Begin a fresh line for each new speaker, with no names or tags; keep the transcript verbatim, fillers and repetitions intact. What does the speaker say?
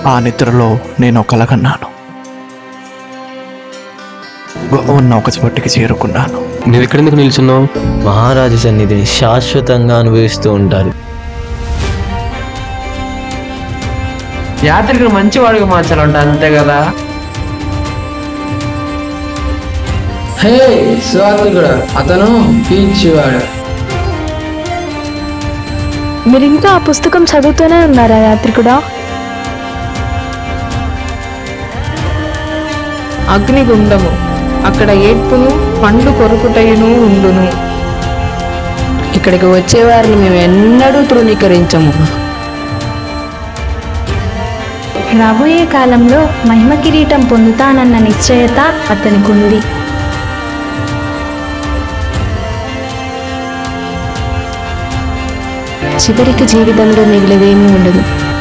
ఆ నిద్రలో నేను కలగన్నాను. ఉన్న ఒక చోటికి చేరుకున్నాను.
నువ్వు ఎక్కడెందుకు నిల్చున్నావు?
మహారాజు సన్నిధిని శాశ్వతంగా అనుభవిస్తూ ఉంటారు.
యాత్రికుడు మంచివాడిగా మార్చాలంట, అంతే కదా?
హే స్వాతికుడు, అతను పీచివాడు.
మీరు ఇంకా ఆ పుస్తకం చదువుతూనే ఉన్నారా యాత్రికుడా?
అగ్నిగుండము, అక్కడ ఏడ్పును పండ్లు కొరుకుటయును ఉండును.
ఇక్కడికి వచ్చేవారిని మేము ఎన్నడూ తృణీకరించము.
రాబోయే కాలంలో మహిమ కిరీటం పొందుతానన్న నిశ్చయత అతనికి ఉంది. చివరికి జీవితంలో మిగిలిదేమీ ఉండదు.